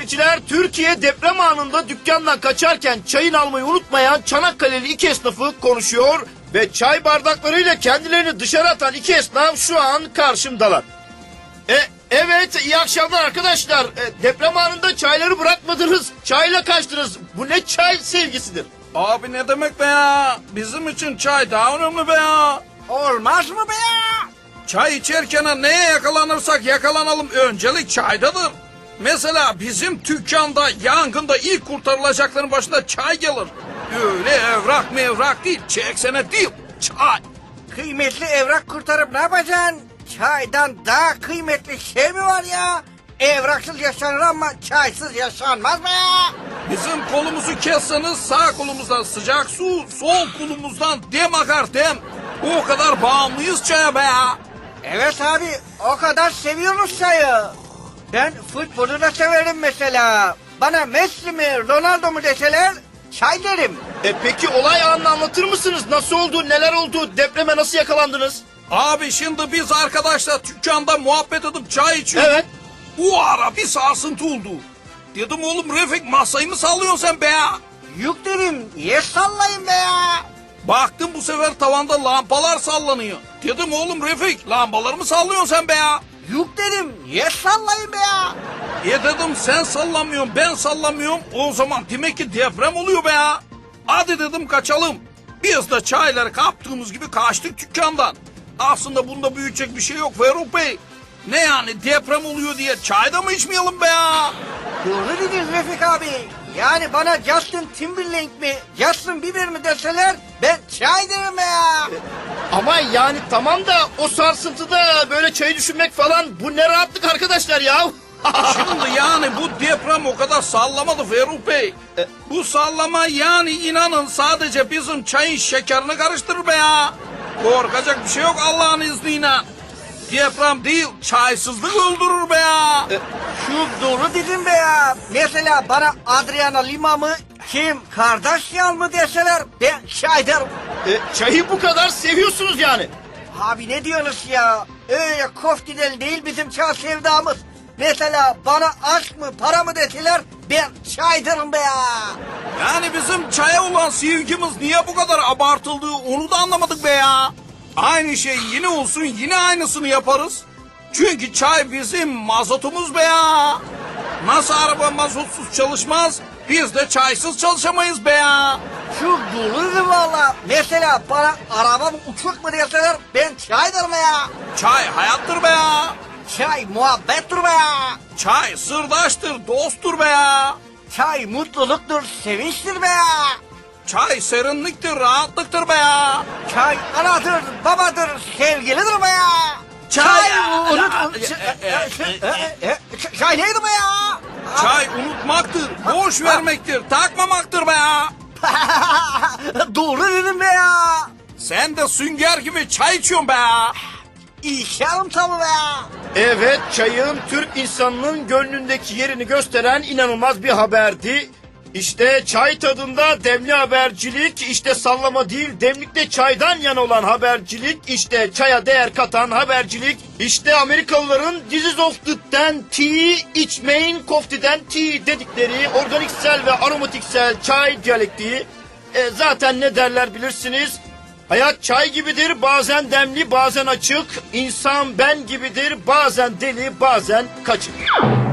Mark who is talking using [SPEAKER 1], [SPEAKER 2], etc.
[SPEAKER 1] seyirciler, Türkiye deprem anında dükkandan kaçarken çayını almayı unutmayan Çanakkale'li iki esnafı konuşuyor ve çay bardaklarıyla kendilerini dışarı atan iki esnaf şu an karşımdalar. Evet, iyi akşamlar arkadaşlar. Deprem anında çayları bırakmadınız, çayla kaçtınız. Bu ne çay sevgisidir?
[SPEAKER 2] Abi ne demek be ya? Bizim için çay daha önemli be ya.
[SPEAKER 3] Olmaz mı be ya?
[SPEAKER 2] Çay içerken neye yakalanırsak yakalanalım, öncelik çaydadır. Mesela bizim dükkanda yangında ilk kurtarılacakların başında çay gelir. Öyle evrak mevrak değil, çek senet değil, çay.
[SPEAKER 3] Kıymetli evrak kurtarıp ne yapacaksın? Çaydan daha kıymetli şey mi var ya? Evraksız yaşanır ama çaysız yaşanmaz be ya.
[SPEAKER 2] Bizim kolumuzu kesseniz sağ kolumuzdan sıcak su, sol kolumuzdan dem akar dem. O kadar bağımlıyız çaya be ya.
[SPEAKER 3] Evet abi, o kadar seviyoruz çayı. Ben futbolu da severim mesela. Bana Messi mi Ronaldo mu deseler çay derim.
[SPEAKER 1] Peki olay anını anlatır mısınız? Nasıl oldu, neler oldu, depreme nasıl yakalandınız?
[SPEAKER 2] Abi şimdi biz arkadaşlar dükkanda muhabbet edip çay içiyorduk.
[SPEAKER 1] Evet.
[SPEAKER 2] O ara bir sarsıntı oldu. Dedim oğlum Refik, masayı mı sallıyorsun sen be ya?
[SPEAKER 3] Yük derim, niye sallayın be ya?
[SPEAKER 2] Baktım bu sefer tavanda lampalar sallanıyor. Dedim oğlum Refik, lambaları mı sallıyorsun sen be ya?
[SPEAKER 3] Yük derim, niye sallayın be ya?
[SPEAKER 2] Dedim sen sallamıyorsun, ben sallamıyorum. O zaman demek ki deprem oluyor be ya. Hadi dedim kaçalım. Biz de çayları kaptığımız gibi kaçtık dükkandan. Aslında bunda büyütecek bir şey yok Ferruh Bey. Ne yani, deprem oluyor diye çayda mı içmeyelim be ya?
[SPEAKER 3] Doğru dediniz Refik abi. Yani bana Justin Timberlake mi, Justin Bieber mi deseler ben çay derim be ya.
[SPEAKER 1] Ama yani tamam da o sarsıntıda böyle çayı düşünmek falan, bu ne rahatlık arkadaşlar ya.
[SPEAKER 2] Şimdi yani bu deprem o kadar sallamadı Ferruh Bey. Bu sallama yani inanın sadece bizim çayın şekerini karıştırır be ya. Korkacak bir şey yok Allah'ın izniyle. Deprem değil, çaysızlık öldürür be ya.
[SPEAKER 3] Şu doğru dedim be ya. Mesela bana Adriana Lima mı, Kim Kardashian mı deseler ben çay derim.
[SPEAKER 1] Çayı bu kadar seviyorsunuz yani.
[SPEAKER 3] Abi ne diyorsunuz ya? Öyle koftidel değil bizim çay sevdamız. Mesela bana aşk mı para mı deseler ben çay derim be ya.
[SPEAKER 2] Yani bizim çaya olan sevgimiz niye bu kadar abartıldığı onu da anlamadık be ya. Aynı şey yine olsun, yine aynısını yaparız. Çünkü çay bizim mazotumuz be ya. Nasıl araba mazotsuz çalışmaz, biz de çaysız çalışamayız be ya.
[SPEAKER 3] Şu doğru valla. Mesela bana araba mı uçak mı deseler ben çay derim be ya.
[SPEAKER 2] Çay hayattır be ya.
[SPEAKER 3] Çay muhabbettir be ya.
[SPEAKER 2] Çay sırdaştır, dosttur be ya.
[SPEAKER 3] Çay mutluluktur, sevinçtir be ya.
[SPEAKER 2] Çay serinliktir, rahatlıktır be ya.
[SPEAKER 3] Çay anadır, babadır, sevgilidir be ya.
[SPEAKER 2] Çay-
[SPEAKER 3] Çay neydi be ya?
[SPEAKER 2] Çay unutmaktır, boş vermektir, takmamaktır be ya.
[SPEAKER 3] Doğru dedim be ya.
[SPEAKER 2] Sen de sünger gibi çay içiyorsun be ya.
[SPEAKER 3] İçerim tabii be ya.
[SPEAKER 1] Evet, çayın Türk insanının gönlündeki yerini gösteren inanılmaz bir haberdi. İşte çay tadında demli habercilik, işte sallama değil demlikte çaydan yana olan habercilik, işte çaya değer katan habercilik, işte Amerikalıların "This is of the tea, içmeyin koftiden tea" dedikleri organiksel ve aromatiksel çay diyalektiği. Zaten ne derler bilirsiniz. Hayat çay gibidir, bazen demli bazen açık. İnsan ben gibidir, bazen deli bazen kaçık.